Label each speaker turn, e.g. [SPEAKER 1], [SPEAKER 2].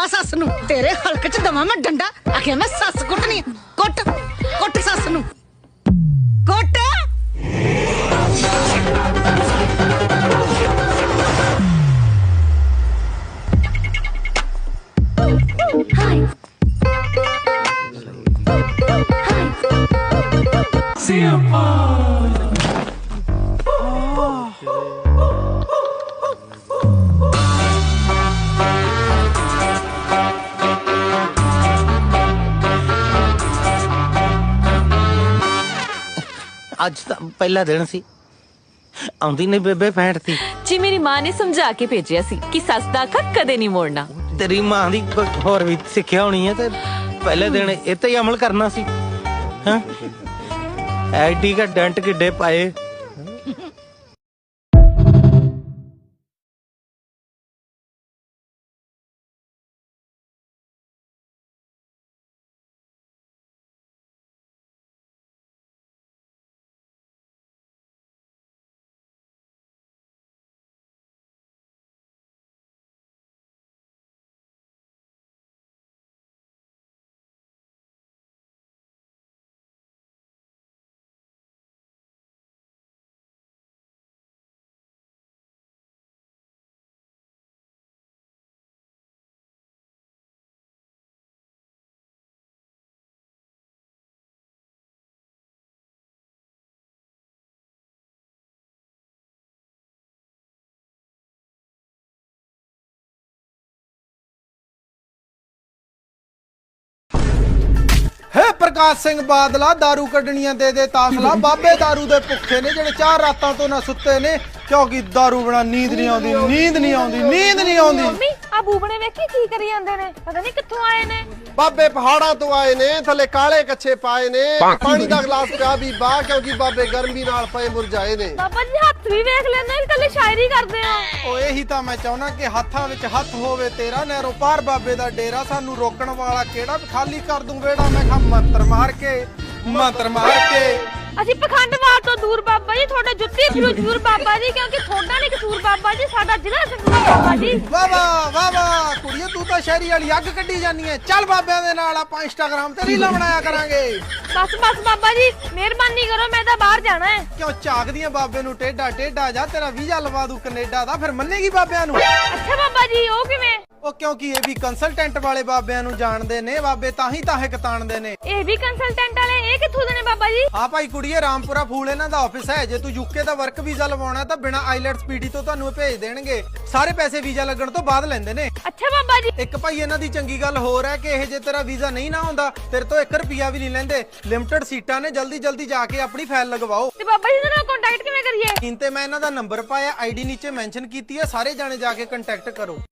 [SPEAKER 1] बुला सस नू तेरे हलक च दवा मैं डंडा आखे मैं सस कुटनी कुट कुट सस नू कुट
[SPEAKER 2] ਅੱਜ ਤਾਂ ਪਹਿਲਾ ਦਿਨ ਸੀ ਆਉਂਦੀ ਨਹੀਂ ਬੇਬੇ ਫੈਂਟਤੀ
[SPEAKER 3] ਜੀ ਮੇਰੀ ਮਾਂ ਨੇ ਸਮਝਾ ਕੇ ਭੇਜਿਆ ਸੀ ਕਿ ਸੱਸ ਦਾ ਅੱਖਾਂ ਕਦੇ ਨਹੀਂ ਮੋੜਨਾ।
[SPEAKER 2] ਤੇਰੀ ਮਾਂ ਦੀ ਕੋਈ ਹੋਰ ਵੀ ਸਿੱਖਿਆ ਹੋਣੀ ਹੈ ਤੇ ਪਹਿਲੇ ਦਿਨ ਇਹ ਤੇ ਹੀ ਅਮਲ ਕਰਨਾ ਸੀ। ਹਾਂ ਐਡੀ ਕਾ ਡੰਟ ਕਿੱਡੇ ਪਾਏ।
[SPEAKER 4] है प्रकाश सिंह बादला दारू कड्डनियां दे तासला बाबे दारू दे भुखे ने जेड़े 4 रातां तो ना सुत्ते ने क्योंकि दारू बिना नींद नहीं आउंदी नींद नहीं आउंदी नींद नहीं आउंदी।
[SPEAKER 5] ਮੰਮੀ ਆ ਬੂਬਣੇ ਵੇਖੀ ਕੀ ਕਰੀ ਜਾਂਦੇ ਨੇ ਪਤਾ ਨਹੀਂ ਕਿੱਥੋਂ ਆਏ ਨੇ।
[SPEAKER 6] ਬਾਬੇ ਪਹਾੜਾਂ ਤੋਂ ਆਏ ਨੇ ਥੱਲੇ ਕਾਲੇ ਕੱਛੇ ਪਾਏ ਨੇ ਪਾਣੀ ਦਾ ਗਲਾਸ ਪਿਆ ਵੀ ਬਾਹ ਕਿਉਂਕਿ ਬਾਬੇ ਗਰਮੀ ਨਾਲ ਪਏ ਮੁਰਝਾਏ ਨੇ।
[SPEAKER 5] ਬਾਬਾ ਜੀ ਹੱਥ ਵੀ ਵੇਖ ਲੈਂਦੇ ਨੇ ਕੱਲੇ ਸ਼ਾਇਰੀ ਕਰਦੇ ਆ।
[SPEAKER 4] ਓ ਇਹੀ ਤਾਂ ਮੈਂ ਚਾਹੁੰਨਾ ਕਿ ਹੱਥਾਂ ਵਿੱਚ ਹੱਥ ਹੋਵੇ ਤੇਰਾ ਨਹਿਰੋਂ ਪਾਰ ਬਾਬੇ ਦਾ ਡੇਰਾ ਸਾਨੂੰ ਰੋਕਣ ਵਾਲਾ ਕਿਹੜਾ ਖਾਲੀ ਕਰ ਦੂੰ ਵੇੜਾ ਮੈਂ ਖਾ ਮੰਤਰ ਮਾਰ ਕੇ
[SPEAKER 5] ਅਸੀਂ ਪਖੰਡਵਾਦ ਤੋਂ ਦੂਰ ਬਾਬਾ ਜੀ ਤੁਹਾਡੇ ਜੁੱਤੀ ਜ਼ਰੂਰ ਬਾਬਾ ਜੀ ਕਿਉਂਕਿ ਤੁਹਾਡਾ ਨਹੀਂ ਕਸੂਰ ਬਾਬਾ ਜੀ ਸਾਡਾ ਜ਼ਿਲ੍ਹਾ ਸੰਗਰੂਰ ਬਾਬਾ ਜੀ।
[SPEAKER 4] ਵਾਹ ਵਾਹ ਕੁੜੀਏ ਤੂੰ ਤਾਂ ਸ਼ਹਿਰੀ ਵਾਲੀ ਅੱਗ ਕੱਢੀ ਜਾਨੀ ਐ। ਚੱਲ ਬਾਬਿਆਂ ਦੇ ਨਾਲ ਆਪਾਂ ਇੰਸਟਾਗ੍ਰਾਮ ਤੇ ਰੀਲਾਂ ਬਣਾਇਆ ਕਰਾਂਗੇ।
[SPEAKER 5] ਬਸ ਬਾਬਾ ਜੀ ਮਿਹਰਬਾਨੀ ਕਰੋ ਮੈਂ ਤਾਂ ਬਾਹਰ ਜਾਣਾ ਹੈ।
[SPEAKER 4] ਕਿਉਂ ਝਾਕਦੀਆਂ ਬਾਬੇ ਨੂੰ ਟੇਡਾ ਜਾ ਤੇਰਾ ਵੀਜ਼ਾ ਲਵਾ ਦੂ ਕੈਨੇਡਾ ਦਾ ਫਿਰ ਮੰਨੇਗੀ ਬਾਬਿਆਂ ਨੂੰ।
[SPEAKER 5] ਅੱਛਾ ਬਾਬਾ ਜੀ ਉਹ ਕਿਵੇਂ?
[SPEAKER 4] ਉਹ ਕਿਉਂਕਿ ਇਹ ਵੀ ਕੰਸਲਟੈਂਟ ਵਾਲੇ ਬਾਬਿਆਂ ਨੂੰ ਜਾਣਦੇ ਨੇ ਬਾਬੇ ਤਾਂ ਹੀ ਕਤਾਣਦੇ ਨੇ।
[SPEAKER 5] ਇਹ ਵੀ ਕੰਸਲਟੈਂਟ ਵਾਲੇ ਇਹ ਕਿੱਥੋਂ ਦੇ ਨੇ ਬਾਬਾ ਜੀ?
[SPEAKER 4] ਹਾਂ ਭਾਈ ਕੁੜੀਏ ਰਾਮਪੁਰਾ ਫੂਲ ਇਹਨਾਂ ਦਾ ਆਫਿਸ ਹੈ। ਜੇ ਤੂੰ ਯੂਕੇ ਦਾ ਵਰਕ ਵੀਜ਼ਾ ਲਵਾਉਣਾ ਤਾਂ ਬਿਨਾ ਆਈਲੈਟਸ ਪੀਟੀ ਤੋਂ ਤੁਹਾਨੂੰ ਭੇਜ ਦੇਣਗੇ। ਸਾਰੇ ਪੈਸੇ ਵੀਜ਼ਾ ਲੱਗਣ ਤੋਂ ਬਾਅਦ ਲੈਂਦੇ ਨੇ।
[SPEAKER 5] ਅੱਛਾ ਬਾਬਾ ਜੀ
[SPEAKER 4] ਇੱਕ ਭਾਈ ਇਹਨਾਂ ਦੀ ਚੰਗੀ ਗੱਲ ਹੋਰ ਹੈ ਕਿ ਇਹ ਜੇ ਤੇਰਾ ਵੀਜ਼ਾ ਨਹੀਂ ਨਾ ਹੁੰਦਾ ਤੇਰੇ ਤੋਂ 1 ਰੁਪਿਆ ਵੀ ਨਹੀਂ ਲੈਂਦੇ। ਲਿਮਟਿਡ ਸੀਟਾਂ ਨੇ ਜਲਦੀ ਜਾ ਕੇ ਆਪਣੀ ਫਾਈਲ ਲਗਵਾਓ।
[SPEAKER 5] ਤੇ ਬਾਬਾ ਜੀ ਨਾਲ ਕੰਟੈਕਟ ਕਿਵੇਂ ਕਰੀਏ?
[SPEAKER 4] ਸਕਰੀਨ ਤੇ ਮੈਂ ਇਹਨਾਂ ਦਾ ਨੰਬਰ ਪਾਇਆ ਆਈਡੀ ਨੀਚੇ ਮੈਂਸ਼ਨ ਕੀਤੀ ਹੈ ਸਾਰੇ ਜਾਣੇ ਜਾ ਕੇ ਕੰਟੈਕਟ ਕਰੋ।